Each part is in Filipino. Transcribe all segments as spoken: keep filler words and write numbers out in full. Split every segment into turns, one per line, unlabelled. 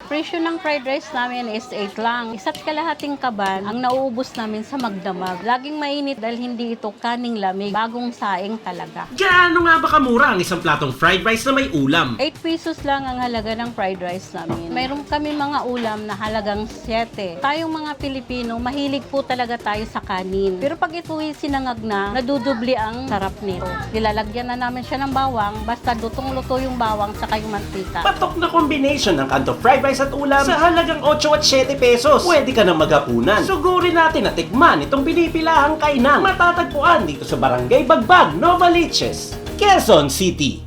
Presyo ng fried rice namin is eight lang. Isa't kalahating kaban ang nauubos namin sa magdamag. Laging mainit dahil hindi ito kaning lamig. Bagong saing talaga.
Gaano nga ba kamura ang isang platong fried rice na may ulam?
eight pesos lang ang halaga ng fried rice namin. Mayroon kami mga ulam na halagang seven. Tayong mga Pilipino, mahilig po talaga tayo sa kanin. Pero pag ito'y sinangag na, nadudubli ang sarap nito. Nilalagyan na namin siya ng bawang, basta lutong-luto yung bawang sa yung mantika.
Patok na combination ng kanto fried rice at ulam sa halagang eight at seven pesos. Pwede ka na magapunan. Sugurin natin na tikman itong pinipilahang kainang matatagpuan dito sa Barangay Bagbag, Novaliches, Quezon City.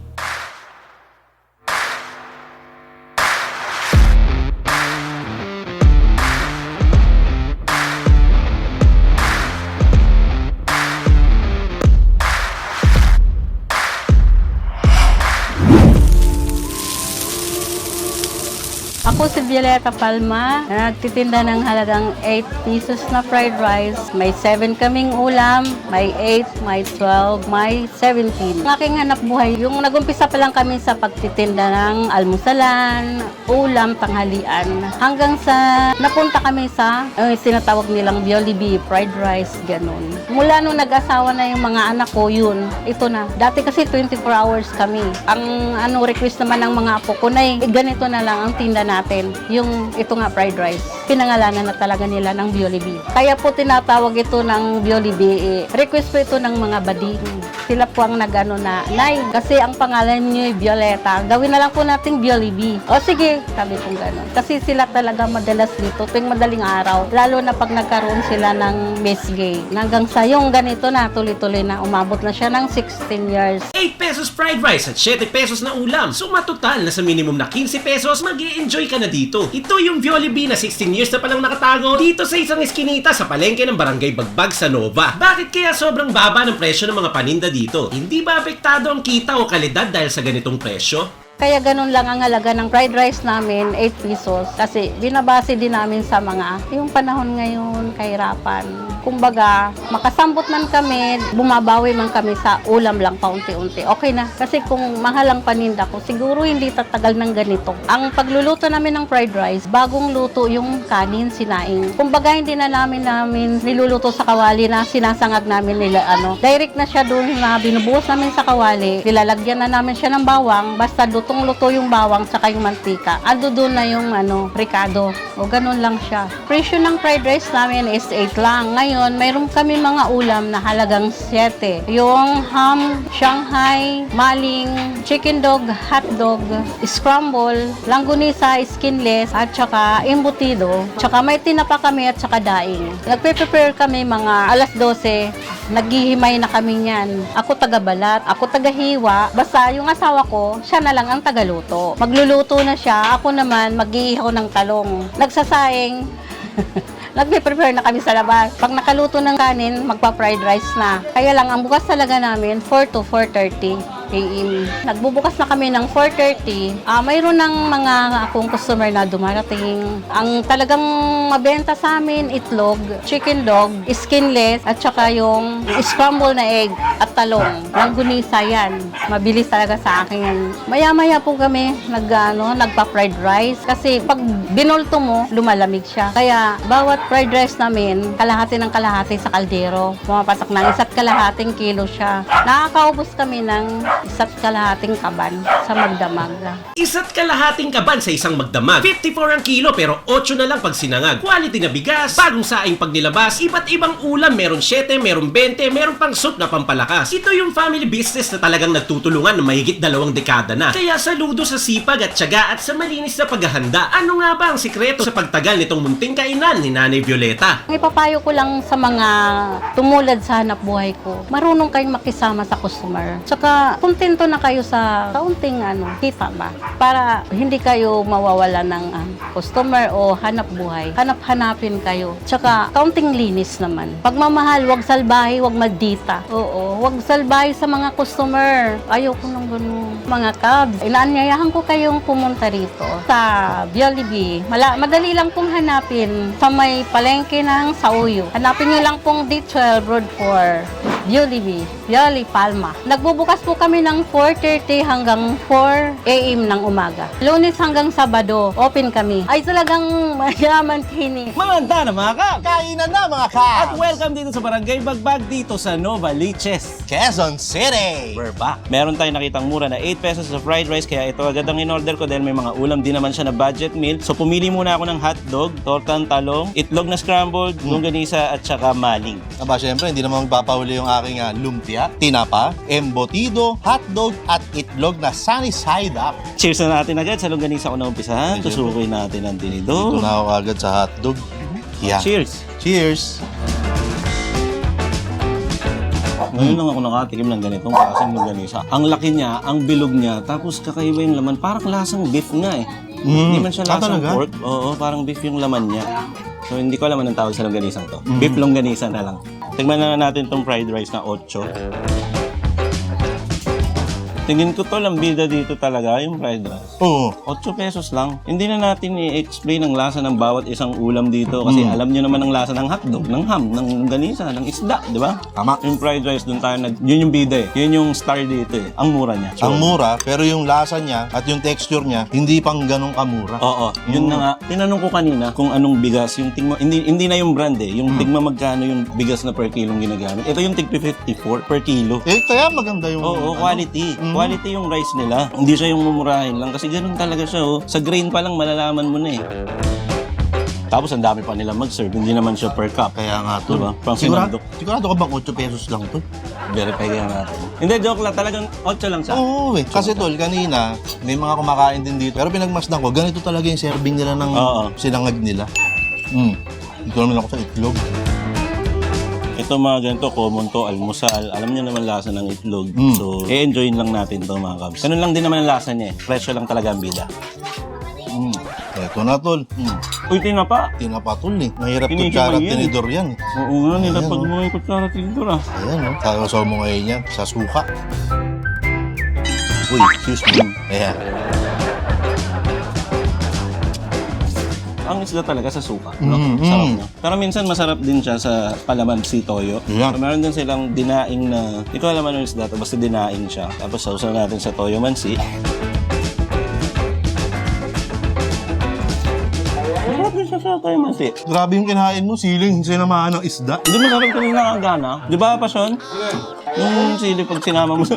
Ako si Violeta Palma, na nagtitinda ng halagang eight pesos na fried rice. May seven kaming ulam, may eight, may twelve, may seventeen. Ang aking hanap buhay, yung nagumpisa pa lang kami sa pagtitinda ng almusalan, ulam, tanghalian. Hanggang sa napunta kami sa uh, sinatawag nilang Jollibee, fried rice, ganun. Mula nung nag-asawa na yung mga anak ko, yun, ito na. Dati kasi twenty-four hours kami. Ang ano request naman ng mga apo ko na eh, ganito na lang ang tinda natin, yung ito nga fried rice. Pinangalanan na talaga nila ng Jollibee. Kaya po tinatawag ito ng Jollibee. Eh, request po ito ng mga bading. Sila po ang nagano na, Nay, kasi ang pangalan niyo ay Violeta. Gawin na lang po nating Jollibee. O sige, sabi kong gano'n. Kasi sila talaga madalas dito tuwing madaling araw. Lalo na pag nagkaroon sila ng mesgay. Hanggang sa yung ganito na, tuloy-tuloy na. Umabot na siya ng sixteen years.
eight pesos fried rice at seven pesos na ulam. Suma total na sa minimum na fifteen pesos, mag-i-enjoy ka na dito. Ito yung Jollibee na sixteen years na palang nakatago dito sa isang eskinita sa palengke ng Barangay Bagbag sa Nova. Bakit kaya sobrang baba ng presyo ng mga paninda dito? Hindi ba apektado ang kita o kalidad dahil sa ganitong presyo?
Kaya ganun lang ang halaga ng fried rice namin, eight pesos. Kasi binabase din namin sa mga, yung panahon ngayon, kahirapan. Kumbaga, makasambot man kami, bumabawi man kami sa ulam lang paunti-unti. Okay na. Kasi kung mahal ang paninda ko, siguro hindi tatagal ng ganito. Ang pagluluto namin ng fried rice, bagong luto yung kanin, sinaing. Kumbaga, hindi na namin namin niluluto sa kawali na sinasangag namin nila, ano. Direct na siya doon na binubuhos namin sa kawali. Nilalagyan na namin siya ng bawang, basta lutong-luto yung bawang saka yung mantika. Ando doon na yung ano, ricado. O ganun lang siya. Presyo ng fried rice namin is eight lang. Ngayon, mayroon kami mga ulam na halagang seven. Yung ham, Shanghai, maling, chicken dog, hot dog, scramble, langgunisa, skinless, at saka embutido. Tsaka may tinapa kami at saka daing. Nagpe-prepare kami mga alas twelve. Naghihimay na kami niyan. Ako taga-balat, ako taga-hiwa. Basta yung asawa ko, siya na lang ang tagaluto. Magluluto na siya, ako naman mag-iihaw ng talong. Nagsasaing. Nagpe-prepare na kami sa labas. Pag nakaluto ng kanin, magpa-fried rice na. Kaya lang, ang bukas talaga namin, four to four thirty a m Nagbubukas na kami ng four thirty. Uh, mayroon ng mga akong customer na dumarating. Ang talagang mabenta sa amin, itlog, chicken dog, skinless, at saka yung scramble na egg at talong. Langgunisa yan. Mabilis talaga sa akin yan. Maya-maya po kami nag, ano, nagpa-fried rice. Kasi pag binulto mo, lumalamig siya. Kaya bawat fried rice namin, kalahati ng kalahati sa kaldero. Pumapatak na isa't kalahating kilo siya. Nakakaubos kami ng isa't kalahating kaban sa magdamag.
Isa't kalahating kaban sa isang magdamag. fifty-four ang kilo pero eight na lang pag sinangag. Quality na bigas, bagong saing pag nilabas, iba't ibang ulam, meron seven, meron twenty, meron pang soup na pampalakas. Ito yung family business na talagang nagtutulungan ng mahigit dalawang dekada na. Kaya saludo sa sipag at tiyaga at sa malinis na paghahanda. Ano nga ba ang sikreto sa pagtagal nitong munting kainan ni Nanay Violeta?
Ang ipapayo ko lang sa mga tumulad sa hanap buhay ko, marunong kayong makisama sa customer. Tsaka kontento na kayo sa kaunting ano, kita ba? Para hindi kayo mawawala ng uh, customer o hanap buhay. Hanap-hanapin kayo. Tsaka kaunting linis naman. Pagmamahal, wag salbahe, wag maldita. Oo, wag salbahe sa mga customer. Ayoko nang ganun. Mga cabs, inaanyayahan ko kayong pumunta rito sa Jollibee. Mala madali lang pong hanapin sa may palengke ng Sauyo. Hanapin niyo lang pong D twelve Road four. Jollibee, Violeta Palma. Nagbubukas po kami kami ng four thirty hanggang four a m ng umaga. Lunes hanggang Sabado, open kami. Ay talagang mayaman kini.
Maganda na mga kap!
Kainan na mga
At
Kabs!
welcome dito sa Barangay Bagbag dito sa Novaliches.
Quezon City!
We're back. Meron tayong nakitang mura na eight pesos sa fried rice kaya ito agad ang in-order ko dahil may mga ulam din naman siya na budget meal. So pumili muna ako ng hotdog, tortang talong, itlog na scrambled, longganisa at saka maling.
Aba, syempre, hindi naman magpapahuli yung aking uh, lumpia, tinapa, embutido, hotdog, at itlog na sunny side up.
Cheers na natin agad sa longganisa ko na umpisahan.
Yes,
Tusukoy natin ang
Ito
tinidor.
na ako agad sa hotdog. Yeah.
Cheers!
Cheers!
Ngayon lang ako nakatikim ng ganitong klaseng longganisa. Ang laki niya, ang bilog niya, tapos kakaiba yung laman. Parang lasang beef nga eh.
Mm.
Hindi man siya
Ah,
lasang
talaga?
pork. Oo, parang beef yung laman niya. So hindi ko alam anong tawag sa longganisang to.
Mm.
Beef longganisa na lang. Tignan na natin tong fried rice na ocho. Tingin ko to lang bida dito talaga yung fried rice.
Oo.
ocho pesos lang. Hindi na natin i-explain ang lasa ng bawat isang ulam dito kasi
Mm.
alam nyo naman ang lasa ng hotdog, ng ham, ng ganisa, ng isda, di ba?
Tama.
Yung fried rice doon tayo nag... Yun yung bida eh. Yun yung star dito eh. Ang mura niya.
Ang mura, pero yung lasa niya at yung texture niya, hindi pang ganong kamura.
Oo, yun na nga. Tinanong ko kanina kung anong bigas yung tigma, hindi hindi na yung brand eh, yung tigma magkano yung bigas na per kilong ginagamit. Ito yung tig fifty-four per kilo.
Eh, kaya maganda yung...
Oo,
ano,
quality.
Mm.
Quality yung rice nila. Hindi siya yung mumurahin lang kasi ganun talaga siya oh. Sa grain pa lang malalaman mo na eh. Tapos ang dami pa nila mag-serve, hindi naman siya per cup.
Kaya nga to.
Diba? Pang
Sigurado,
sinandok.
sigurado ka bang eight pesos lang to?
Verify kaya natin. Hindi, joke lang. Talagang ocho lang siya.
Oo eh. Kasi tol, kanina, may mga kumakain din dito. Pero pinagmasdan ko, ganito talaga yung serving nila ng
Oo.
sinangag nila. Hmm. Dito naman ako sa itlog.
Ito mga ganito, common to, almusal. Alam niyo naman lasa ng itlog.
Mm.
So, i-enjoyin lang natin to mga kabs. Ganun lang din naman ang lasa niya eh. Presyo lang talaga ang bida.
Hmm. Eto na tol. Hmm.
Uy, tinapa.
Tinapa tol eh. Mahirap
Tinidor
kutsara at
yan eh.
tinidor yan eh.
Oo nga, nilapag
Ayan,
mo yung kutsara tinidor ah.
Ayan o. Kakasaw mo ngayon yan sa suka. Uy, excuse me. Ayan.
Ang isda talaga sa suka. No?
Mm,
Sarap
mm.
niya. Pero minsan masarap din siya sa palamansi toyo.
Yeah.
So, meron din silang dinaing na, hindi ko alam ano yung isda to, basta dinaing siya. Tapos sausaw natin sa toyo mansi. Masarap din siya sa toyo mansi.
Grabe yung kinain mo, siling sinamahan ng isda.
Hindi masarap kanina ang gana. Di ba, Pasyon? Yung sili pag sinama mo sa...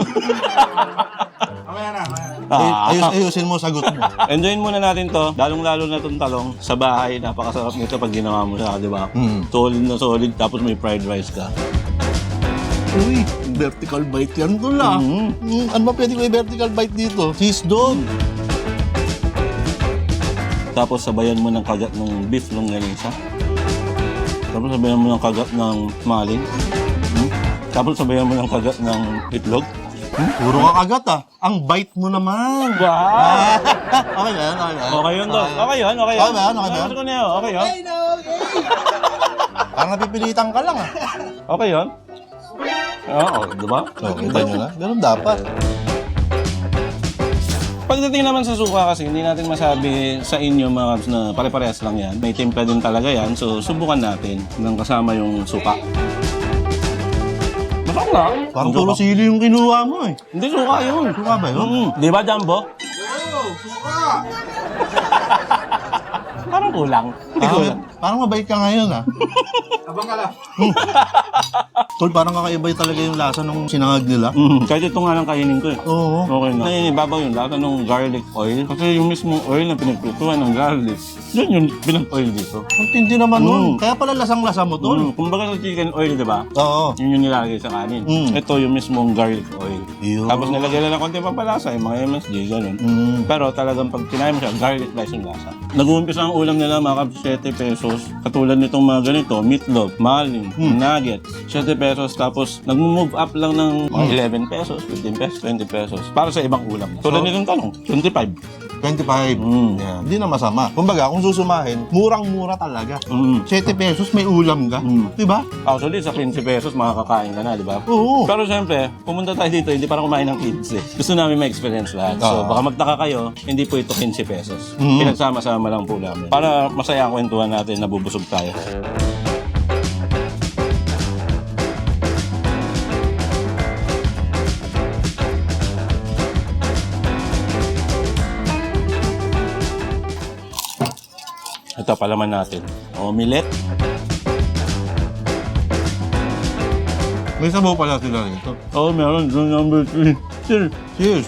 Ay,
Ah.
ayos, ayusin mo sagot mo.
Enjoyin muna natin to. Lalong-lalo na itong talong sa bahay. Napakasarap nito pag ginawa mo siya, di ba?
Mm.
Solid na solid, tapos may fried rice ka.
Uy, vertical bite yan tol ah.
Mhm.
Mm, ano ba pwede may vertical bite dito? Cheese dog.
Tapos sabayan mo ng kagat ng beef longganisa. Tapos sabayan mo ng kagat ng maling. Hmm? Tapos sabayan mo ng kagat ng itlog.
Hmm? Puro ka kagat ah. Ang bite mo naman.
Wow!
Okay ba yan? Okay ba yan?
Okay yun, Dok. Okay yun, okay yun.
Okay ba yan? Okay ba yan?
Gusto ko na yun, okay yun.
Parang napipilitan ka lang ah.
Okay yun. Oo, di ba?
So, kita nyo na. Ganun dapat.
Pagdating naman sa suka kasi, hindi natin masabi sa inyo mga kabs na pare-parehas lang yan. May timpla din talaga yan, so subukan natin ng kasama yung suka. Masarap na.
Parang
Yung
puro
suka.
sili yung kinuha mo eh.
Hindi, suka yun.
Suka ba yun?
Mm, di ba, Jumbo? Parang kulang. Hindi
Parang,
kulang.
parang mabait ka ngayon ah. Abang ka lang. Tol, parang kakaiba talaga yung lasa ng sinangag nila.
Mm, kahit ito nga lang kainin ko eh.
Oo.
Okay na. Naninibabaw yung lasa ng garlic oil. Kasi yung mismong oil na pinagpituan ng garlic, yun yung pinag-oil dito.
Ang tindi naman
Mm.
nun. Kaya pala lasang-lasa mo tol.
Mm, kumbaga sa chicken oil, di ba?
Oo.
Yun yung nilalagay sa kanin.
Mm.
Ito yung mismong garlic oil.
Yun.
Tapos nilagay lang ng konti pampalasa, yung mga M S G, ganun.
Mm.
Pero talagang pag kinain mo siya, garlic rice yung lasa. Nag-uumpisa ang ulam nila mga kabs, seven pesos. Katulad nitong mga ganito, meatloaf, maling,
Hmm.
nuggets, seven pesos. Tapos nag-move up lang ng mga eleven pesos, fifteen pesos, twenty pesos. Para sa ibang ulam. Tulad
So-
nitong tanong, twenty-five.
twenty-five.
Mm.
Yan. Hindi na masama. Kumbaga, kung susumahin, murang-mura talaga.
Mm.
seven pesos may ulam ka.
Mm.
Diba?
Actually, sa fifty pesos, makakakain ka na, di ba?
Oo.
Pero siyempre, pumunta tayo dito, hindi para kumain ng kids eh. Gusto namin ma-experience lahat. So,
Ah.
baka magtaka kayo, hindi po ito fifty pesos.
Mm.
Pinagsama-sama lang po namin. Para masaya ang kwentuhan natin, nabubusog tayo. Ito, palaman natin. Omelette.
May sabaw pala sila rito.
Oh, meron. Yung number three. Cheers.
Cheers.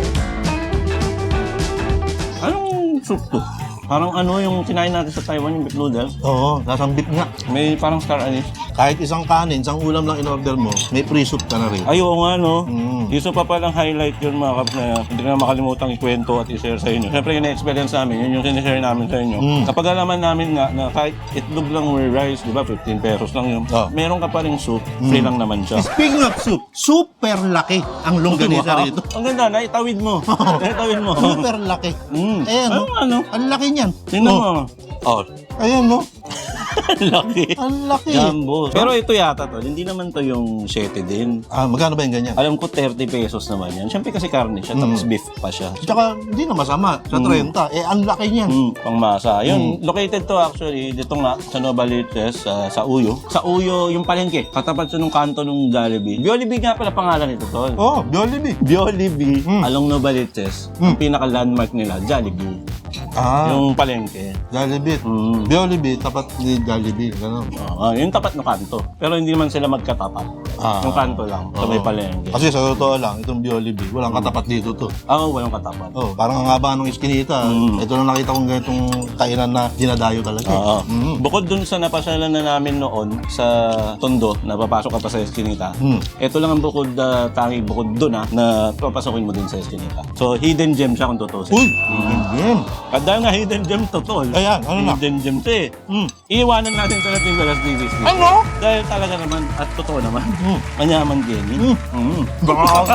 Anong soup to? Parang ano yung kinain natin sa Taiwan, yung beef noodles.
Oo, nasang beef nga.
May parang star anise.
Kahit isang kanin, isang ulam lang in-order mo, may free soup ka na rin.
Ay, oo nga, no?
Mm.
Isa pa palang highlight yun, mga kaps, na hindi ko na makalimutang ikwento at i-share sa inyo. Siyempre, yung experience namin, yun yung sinishare namin sa inyo.
Mm.
Kapag alaman namin nga na kahit itlog lang or rice, di ba, fifteen pesos lang yun.
Oh.
Meron ka pa rin soup, free lang naman siya.
Speaking of soup, super laki ang longganisa
Wow.
rito.
Ang ganda, naitawid mo. naitawid mo.
Super laki.
Mm.
Ayan,
Ano,
no?
ano?
Ang laki niyan.
Tingnan
Oh,
mo. Oh,
ayan, no?
laki.
Ang laki.
Jumbo. Pero ito yata to, hindi naman to yung siyete din.
Ah, magkano ba yung ganyan?
Alam ko thirty pesos naman yan. Siyempre kasi karne siya, tapos beef pa siya.
Tsaka, hindi na masama. Sa thirty. Eh, ang laki niyan.
Mm, pangmasa. Yun, located to actually dito nga sa Novaliches, uh, sa Uyo. Sa Uyo, yung palengke. Katapat siya nung kanto ng Jollibee. Jollibee nga pala pangalan nito, tol.
Oh, Jollibee.
Jollibee,
Mm.
along Novaliches. Ang pinaka-landmark nila, Jollibee.
Ah,
Yung palengke.
Jollibee.
Mm.
Jollibee, tapat ni Jollibee. Ganun.
Ah, yung tapat ng kanto. Pero hindi man sila magkatapat.
Ah.
Yung kanto lang, sa may
Oo.
palengke.
Kasi sa totoo lang, itong Jollibee, walang katapat dito to.
Ah, walang katapat.
Oh, parang ang haba ng iskinita.
Mm.
Ito lang nakita kong ganitong kainan na dinadayo talaga.
Oo.
Mm.
Bukod dun sa napasyalan na namin noon sa Tondo, na papasok ka pa sa Eskinita,
Mm.
ito lang ang bukod, uh, tanging bukod dun ah, na papasokin mo din sa Eskinita. So, hidden gem siya kung totoo.
Uy! Game!
At dahil nga hidden gem to, tol.
Ayan, ano na?
Hidden gem to eh.
Mm.
Iiwanan natin ito natin sa Las Vegas.
Ano?
Dahil talaga naman, at totoo naman,
Mm.
manyaman Jenny.
Mm.
Mm.
Baka out.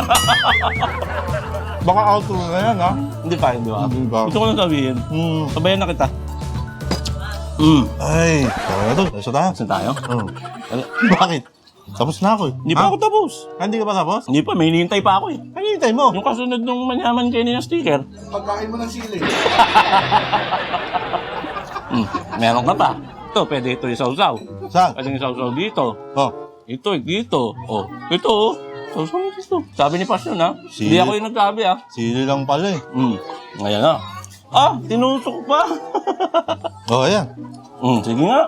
Baka out na yan, ha?
Hindi pa, di ba?
Hindi ba?
Gusto ko lang sabihin.
Mm.
Sabayan na kita. Mm.
Ay, tara na to. Isa tayo.
Saan tayo?
Oh. Bakit? Tapos na ako eh.
Hindi pa ako tapos.
Ah, Hindi ka pa tapos?
Hindi pa, may hinihintay pa ako eh.
Ano hintay mo?
Yung kasunod nung manyaman Jenny na sticker.
Pagkain mo ng sili.
Mm. Meron ka pa. Ito, pwede ito isaw-saw.
Saan?
Pwede isaw-saw dito.
Oh.
Ito, dito. Oh, ito oh. Isaw-saw mo dito. Sabi ni Pasyon ha.
Sili.
Hindi ako yung nagsabi ha.
Sili lang pala eh.
Mm. Ngayon na. Ah, tinusok pa.
Oh, ayan.
mm, sige nga.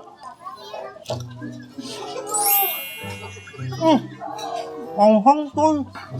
Mm. Ang hangtol.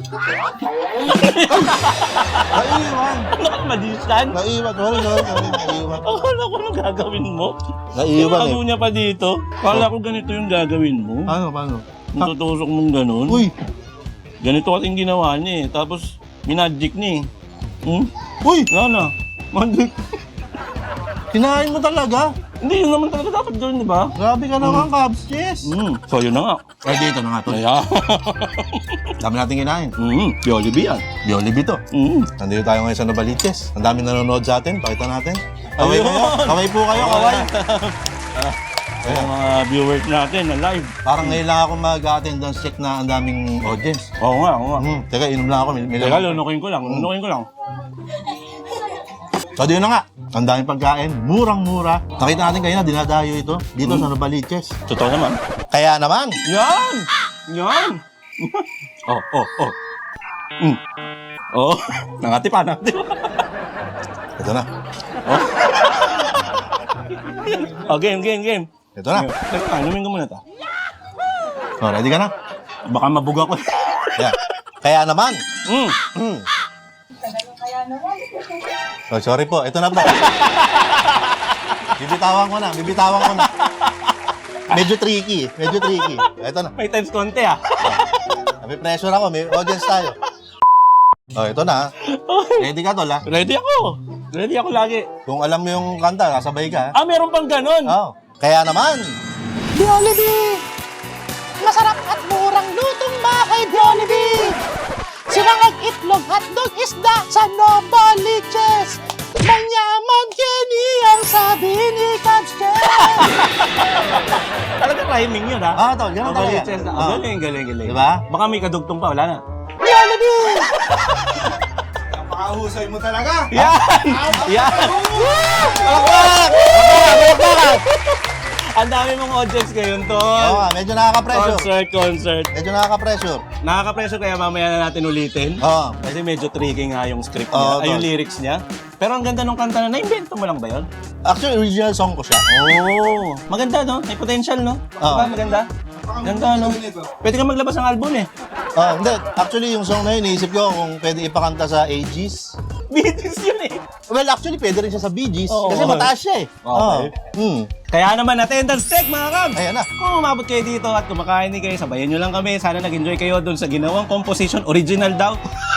Naiwan.
Nakamadisan.
Naiwan. Sorry, sorry, sorry. Naiwan.
Akala ko anong gagawin mo.
Naiwan
Tinago
eh.
niya pa dito. Akala ko ganito yung gagawin mo.
Ano, paano?
Yung tutusok mong ganun.
Uy!
Ganito kasing ginawa niya eh. Tapos, minagic niya eh. Hmm?
Uy!
Wala na. Magic.
Kinain mo talaga?
Hindi, yun naman talaga dapat gawin, di ba?
Grabe ka naman, Cubs. Yes!
Hmm. So, yun na nga.
Ay, dito na nga to.
Kaya.
Dami natin kinain.
Hmm. Jollibee yan.
Jollibee to.
Hmm.
Nandito tayo ngayon sa Novaliches. Ang dami nanonood sa atin. Pakita natin. Kaway
Ayun.
kayo. Kaway po kayo. Kaway.
Kaya mga viewers natin na live.
Parang ngayon lang ako mag-attendance check na ang daming audience.
Oo nga, oo nga.
Hmm. Teka, inom lang ako. May, may
Teka,
lang.
lunukin ko lang. Lunukin ko lang.
So, dito na nga. Ang daming pagkain. Murang-mura. Nakita natin kayo na dinadayo ito. Dito sa Novaliches.
Totoo naman.
Kaya naman.
Yan! Yan! oh, oh, oh. Mm. Oh, nangati pa, nangati pa.
Ito na.
Oh, game, game, game.
Ito na.
Teka, inumin ko muna ito.
Oh, ready ka na?
Baka mabuga ko.
Yeah. Kaya naman.
Mm.
Hmm. Oh, sorry po. Ito na po. Bibitawan ko na. Bibitawan ko na. Medyo tricky. Medyo tricky. Ito na.
May times konti ah.
May pressure ako. May audience tayo. Oh, ito na. Ready ka, tol, ha?
Ready ako. Ready ako lagi.
Kung alam mo yung kanta, kasabay ka, ha?
Ah, meron pang ganon.
Oh. Kaya naman.
Jollibee! Masarap at murang lutong mga kay Jollibee! Sinangag itlog, hotdog, isda sa Novaliches! Manyaman Kenny ang sabi ni Cubs
Talaga timing yun ha.
Ah, tol, ganun talaga.
Novaliches na.
Ah.
Galing, galing, galing.
Diba?
Baka may kadugtong pa, wala na.
Jollibee!
Pakahusay mo talaga.
Yan! Yan!
Palakpak! Palakpak! Palakpak!
Ang dami mong audience ngayon, Tol.
Oo nga, medyo nakaka-pressure.
Concert, concert.
Medyo nakaka-pressure.
Nakaka-pressure kaya mamaya na natin ulitin.
Oo.
Kasi medyo tricky nga yung script niya,
Oo,
ay yung
Tol.
lyrics niya. Pero ang ganda nung kanta na, na-invento mo lang ba yun?
Actually, original song ko siya.
Oo. Maganda, no? May potential, no?
Oo.
Diba? Maganda? Ganda, no? Pwede ka maglabas ng album, eh.
Ah, hindi. Actually, yung song na yun, naisip ko kung pwede ipakanta sa A Gs.
Beatles yun, eh.
Well, actually, pwede rin siya sa Bee Gees.
Oo.
Kasi mataas siya eh.
Okay.
Oo. Hmm.
Kaya naman, attendance check, mga Kabs!
Ayan na.
Kung umabot kayo dito at kumakain kayo, sabayan nyo lang kami. Sana nag-enjoy kayo dun sa ginawang composition. Original daw.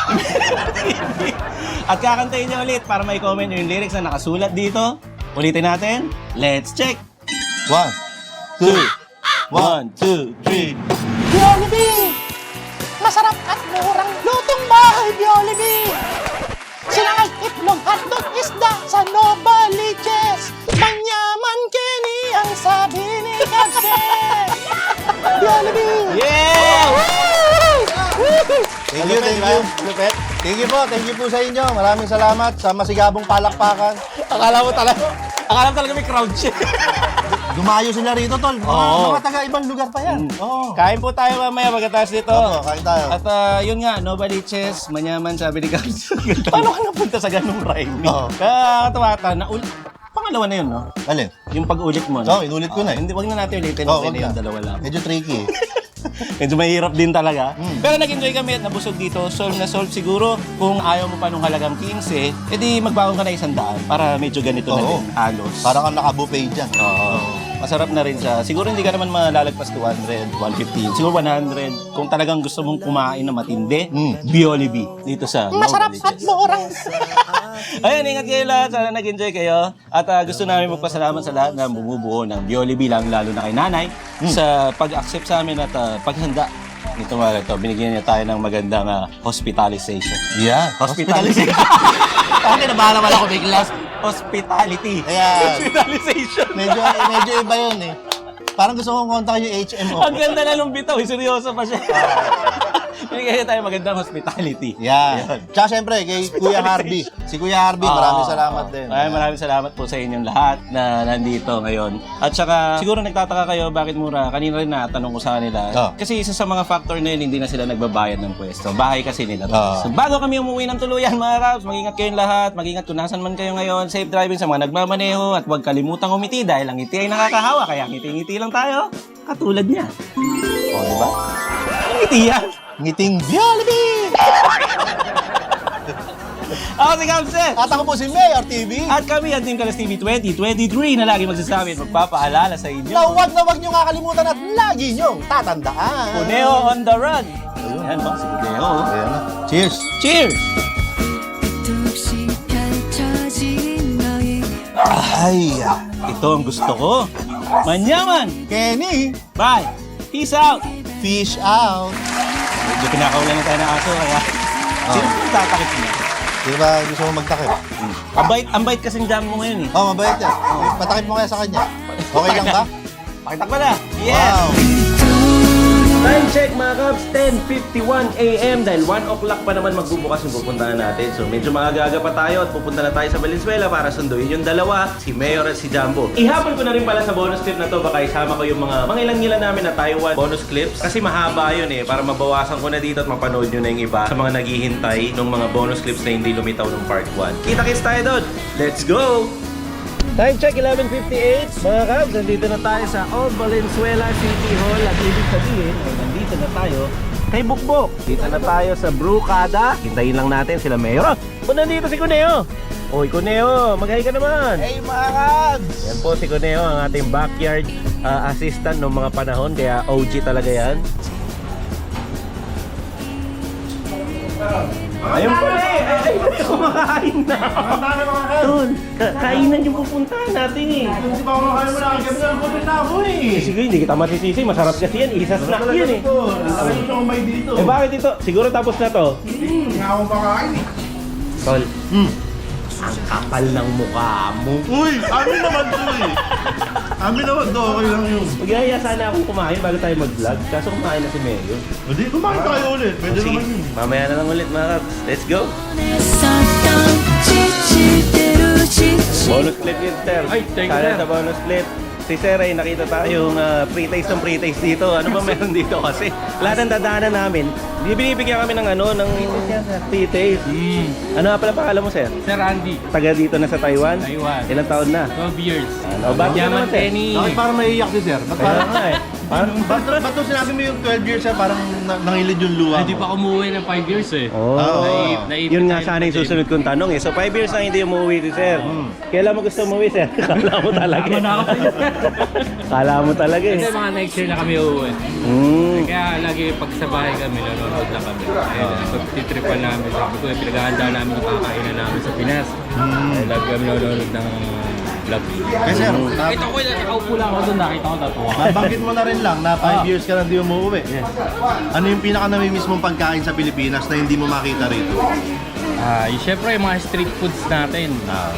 At kakantayin nyo ulit para may comment nyo yung lyrics na nakasulat dito. Ulitin natin. Let's check.
One, two,
One, two, three.
Jollibee! Masarap at murang lutong bahay Jollibee! Sinangag itlog hotdog isda sa Novaliches! Manyaman Kenny ang sabi ni Kapsen! Jollibee!
Yeah!
Thank you, thank you. Thank you po, thank you po sa inyo. Maraming salamat sa masigabong palakpakan.
Akala mo talaga, akala mo talaga may crowd check.
Dumayo sila rito, tol. Mga,
Oo.
mga taga-ibang lugar pa yan. Oo.
Kain po tayo mamaya pagkatapos dito.
Opo, kain tayo.
At ah, yun nga, Novaliches, manyaman, sabi ni Kabs. Paano ka napunta sa ganung rhyming?
Oo.
Kaya katawa ka, na pangalawa na yun, no?
Alin?
Yung pag-ulit mo,
Oo, inulit ko na eh.
Hindi, wag na natin ulitin
Oo,
kasi
wag
na yung
na.
dalawa lang.
Medyo tricky eh.
Medyo mahirap din talaga.
Mm.
Pero nag-enjoy kami at nabusog dito. Solve na solve siguro. Kung ayaw mo pa nung halagang quince, edi magbaon ka na isang daan para medyo ganito na
Oo.
din. Halos.
Para kang nakabuffet dyan.
Oo. Masarap na rin siya. Siguro hindi ka naman malalagpas two hundred, one fifty. Siguro one hundred. Kung talagang gusto mong kumain na matindi,
Mm.
Jollibee dito sa
Masarap at
Novaliches.
murang
Ayun, ingat kayo lahat. Sana nag-enjoy kayo. At ah, gusto namin magpasalamat sa lahat na bumubuo ng Jollibee, lang lalo na kay Nanay, sa pag-accept sa amin at ah, paghanda. Ito mga ito, binigyan niya tayo ng magandang ah, hospitalization.
Yeah.
Hospitalization.
Okay, nabahala pala ko biglas.
Hospitality.
Ayan.
Hospitalization.
Medyo, medyo iba yun eh. Parang gusto kong kontakin yung H M O.
Ang ganda na nung bitaw. eh, Seryoso pa siya. Binigyan niya tayo magandang hospitality.
Yeah. Tsaka syempre, kay Kuya Harvey. Si Kuya Harvey, maraming salamat din.
Ay, maraming salamat po sa inyong lahat na nandito ngayon. At saka, siguro nagtataka kayo bakit mura. Kanina rin natanong ko sa kanila.
Oh.
Kasi isa sa mga factor na yun, hindi na sila nagbabayad ng pwesto. Bahay kasi nila.
Oh.
So, bago kami umuwi ng tuluyan, mga Kabs, mag-ingat kayong lahat. Mag-ingat kung nasan man kayo ngayon. Safe driving sa mga nagmamaneho. At huwag kalimutang umiti dahil ang ngiti ay nakakahawa. Kaya ngiti-ngiti lang tayo. Katulad niya. O, di ba? Ang ngiti yan.
Ngiting Jollibee!
Ako si Kamse.
At ako po si Mayor T V.
At kami ang Team Kalas T V twenty twenty-three na lagi magsasabi at magpapaalala sa inyo.
Na huwag na huwag nyo kakalimutan at lagi nyo tatandaan.
Cuneo on the run. Ayan ba? Si Cuneo.
Ayan na. Cheers!
Cheers!
뚝씩 펼쳐진 너의
Ay!
Ito ang gusto ko. Manyaman!
Kenny!
Bye! Peace out!
Fish out!
Medyo pinakaulan na tayo ng aso kaya sino oh. tatakit niya?
Di ba gusto mo magtakip?
Ang bait, ang bait kasing jam mo ngayon eh.
Oh, mabait yan. Patakip mo kaya sa kanya. Okay lang ba?
Pakitak mo na! Yes!
Wow!
Time check mga Kabs, ten fifty-one a m dahil one o'clock pa naman magbubukas yung pupuntahan natin. So medyo maaga-aga pa tayo at pupunta na tayo sa Valenzuela para sunduin yung dalawa, si Mayor at si Jumbo. Ihapon ko na rin pala sa bonus clip na to, baka isama ko yung mga mga ilang-ilan namin na Taiwan bonus clips. Kasi mahaba yun eh, para mabawasan ko na dito at mapanood nyo na yung iba sa mga naghihintay ng mga bonus clips na hindi lumitaw ng part one. Kita-kits tayo doon! Let's go! Time check, eleven fifty-eight. Mga Kabs, nandito na tayo sa Old Valenzuela City Hall. At ibig sabihin, ay nandito na tayo kay Bukbok. Dito na tayo sa Brewcada. Hintayin lang natin sila Mayor. O, nandito si Cuneo. Oy, Cuneo, mag-hi ka naman.
Hey mga Kabs!
Yan po si Cuneo, ang ating backyard uh, assistant noong mga panahon. Kaya O G talaga yan. Ayun pala eh! Ay, ay, kumakain na! Tol, ka- kainan yung pupuntahan natin eh!
Hindi pa ako makain mo na kagabi na kupit na ako eh.
Eh, sige, hindi kita masisisi. Masarap kasi yan. Isa snack yun eh.
Laki yung siomay dito.
Eh, bakit ito? Siguro tapos na to.
Hindi nga ako makain eh.
Tol, ang kapal ng mukha mo.
Uy, amin naman to eh. Amin naman to, okay lang yun.
Magaya sana akong kumain bago tayo mag-vlog. Kaso kumain na si Mayo.
Hindi, kumain tayo ulit. Pwede
Sige,
naman yun.
mamaya na lang ulit mga Kabs. Let's go!
냈었던 지칠 대로 지칠
Bonus clip yun, Ter.
Ay, thank you,
Sana
Ter.
sa bonus clip.
si Sir ay nakita tayong uh, pre-taste ng pre-taste dito. Ano ba meron dito kasi? Lahat ng dadaanan namin, binibigyan kami ng ano, ng pre-taste.
Mm.
Ano nga pala pangalan mo, Sir?
Sir Andy,
Taga dito na sa Taiwan?
Taiwan.
Ilang taon na?
twelve years.
Ano, ba't ka naman,
Yaman
Sir?
Penny.
Bakit parang naiiyak si sir? Ba't
Kaya
parang,
nga eh. Parang,
ba't, ba't nung sinabi mo yung twelve years sir, parang na, nangilid yung luha
Hindi pa umuwi ng five years eh.
oh,
Naip-
naipit
yun nga
tayo
sana yung
ng
susunod kong tanong eh. So five years na hindi umuwi si Sir. Kailan mo gusto umuwi, Sir? Kala mo talaga
Tama na ako
eh. Kala mo talaga
Kasi
eh.
mga next year na kami uuwi.
Mm.
Kaya lagi pag sa bahay kami, nanonood lang kami. Ayun, uh, titripan namin. Sabi ko, eh, pinaghahanda namin yung kakainan namin sa Pinas. Eh, lagi kami nanonood ng vlog.
Eh sir, na,
Ito ko, nakaupo lang ako doon, nakita ko tatuwa.
nabanggit mo na rin lang na five
Ah.
years ka na hindi umuwi. Ano yung pinaka namimiss mong pagkain sa Pilipinas na hindi mo makita rito?
Ah, yung syempre yung mga street foods natin.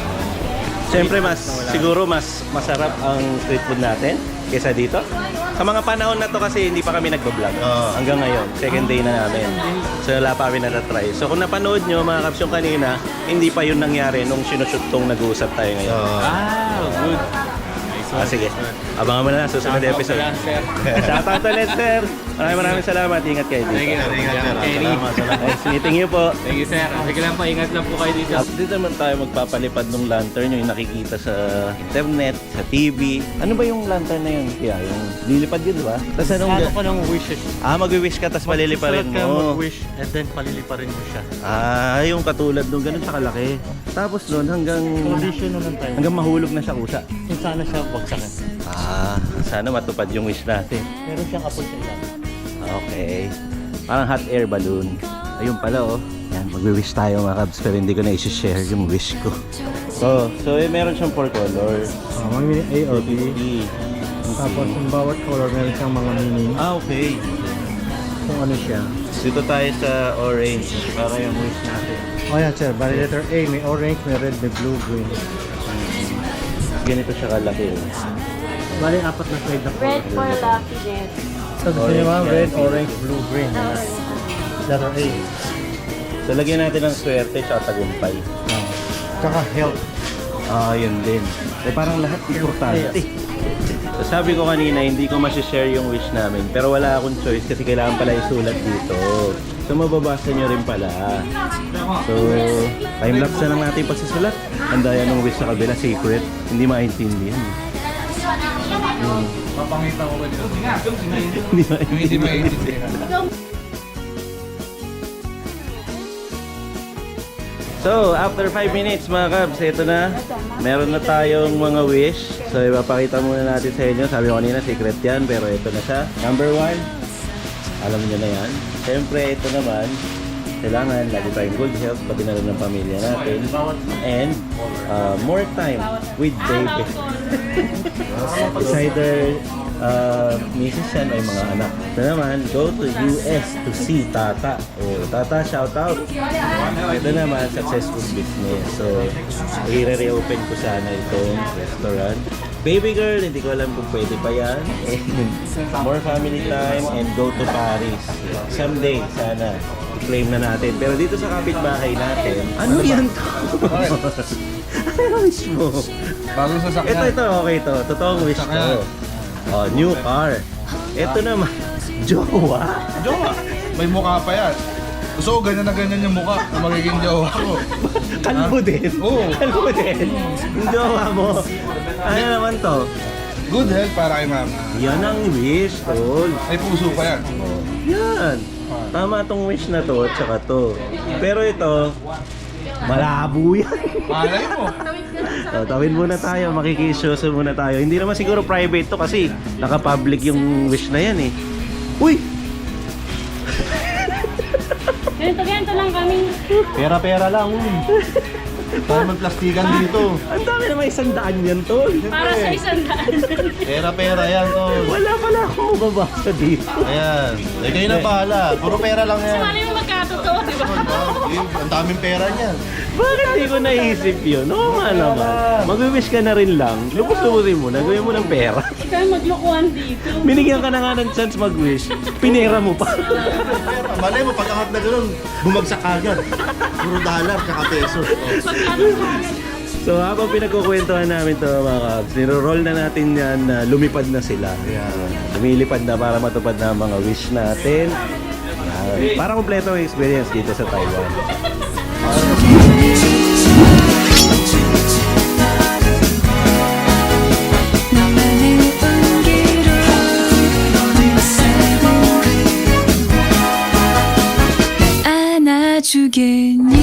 Siyempre mas, siguro mas masarap ang street food natin kaysa dito. Sa mga panahon na to kasi hindi pa kami nagbablog.
Oo.
Hanggang ngayon, second day na namin. So wala pa kami natatry. So kung napanood nyo mga kaps yung kanina, hindi pa yun nangyari nung sinushoot tong nag-uusap tayo ngayon.
Uh,
Ah, good. Nice one.
Ah, sige. Abangan mo na lang susunod na episode.
Lang, sir.
Shoutout ulit, sir. Maraming maraming salamat. Ingat kayo dito.
Thank you.
Ingat, sir.
Kenny.
Salamat, salamat.
Nice meeting you po.
Thank you, sir. Sige lang po, ingat lang po kayo dito.
Dito naman tayo magpapalipad ng lantern yung nakikita sa internet, sa T V. Ano ba yung lantern na yun? Kaya yung lilipad yun, di ba? Tapos anong...
Ano ko ng wishes?
Ah, mag-wish ka tapos paliliparin
Sulat ka
mo.
mag-wish and then paliliparin mo siya.
Ah, yung katulad nung ganun siya kalaki. Tapos nun hanggang...
Condition nun ng time.
Hanggang mahulog na siya kusa.
Kung sana siya bagsakan.
Ah, sana matupad yung wish natin.
Meron siyang apoy sa ilalim.
Okay. Parang hot air balloon. Ayun pala oh. Yan, magwi-wish tayo mga kabs pero hindi ko na i-share yung wish ko. So, so eh, meron siyang four colors.
Uh, mga A or B.
fifty.
Tapos yung bawat color meron siyang mga meaning.
Ah, okay.
Kung ano siya.
Dito tayo sa orange para yung wish natin.
O yan sir, bali letter A, may orange, may red, may blue, green.
Ganito siya kalaki. oh.
Bali apat na shade na color.
Red for luckiness.
So gusto niyo mga red, orange, blue, green. Yan. Letter A.
So lagyan natin ng swerte at tagumpay.
Uh, tsaka health.
Ah, yun din. Eh, parang lahat importante. So, sabi ko kanina, hindi ko masishare yung wish namin. Pero wala akong choice kasi kailangan pala isulat dito. So, mababasa nyo rin pala. So, time-lapse na lang natin yung pagsusulat. Ang daya ng wish sa kabila, secret. Hindi maintindihan. Hmm.
Papangita ko ba dito?
Hindi maintindihan.
Hindi maintindihan.
So, after five minutes mga kabs, ito na. Meron na tayong mga wish. So, ipapakita muna natin sa inyo. Sabi ko kanina, secret yan. Pero ito na siya. Number one, alam niyo na yan. Siyempre, ito naman, kailangan lagi tayong good health, pati na rin ng pamilya natin. And, uh, more time with baby. It's either uh, misis yan ay mga anak. Ito naman, go to U S to see Tata. Oh, Tata, shout out. Ito naman, successful business. So, i-reopen ko sana itong restaurant. Baby girl, hindi ko alam kung pwede pa yan. And more family time and go to Paris. Someday, sana, i-claim na natin. Pero dito sa kapitbahay natin, ano yan to? Ano wish mo?
Bagong
Ito,
sasakyan.
ito, okay to. Totoong wish ko. Oh, new car. Ito naman, jowa.
Jowa, may mukha pa yan. Gusto ko ganyan na ganyan yung mukha na magiging jowa ko.
Kalbo din.
Oo.
Kalbo din. Yung jowa mo. Ano naman to?
Good health para kay mama.
Yan ang wish, tol.
May puso pa yan.
Yan. Tama tong wish na to at saka to. Pero ito, malabo yan.
Malay mo.
So, tawin muna tayo, makikisyoso muna tayo. Hindi naman siguro private to kasi naka-public yung wish na yan eh. Uy!
Ganito-ganito lang kami.
Pera-pera lang. Para magplastikan dito.
Ang dami naman isang daan yan, tol.
Para sa isang daan.
Pera-pera yan, tol.
Wala pala akong mababasa dito.
Ayan. Eh, kayo na bahala. Puro pera lang yan.
Ano yung magkatotoo, di ba?
Eh, Ang daming pera niyan.
Bakit di ko naisip yun? Oo nga naman. Mag-wish ka na rin lang. Lubos-lubosin mo na. Gawin mo ng pera.
Ikaw yung maglokohan dito.
Binigyan ka na nga ng chance mag-wish. Pinera mo pa.
Malay mo, pag angat na gano'n, bumagsak agad. Puro dollar, tsaka peso. Oh.
Magkano
So habang pinagkukwentuhan namin to mga kabs, niro-roll na natin yan na lumipad na sila. Lumilipad na para matupad na ang mga wish natin. Yan. Para kompleto ang experience dito sa Taiwan.
너만의 온기로 날 안아주겠니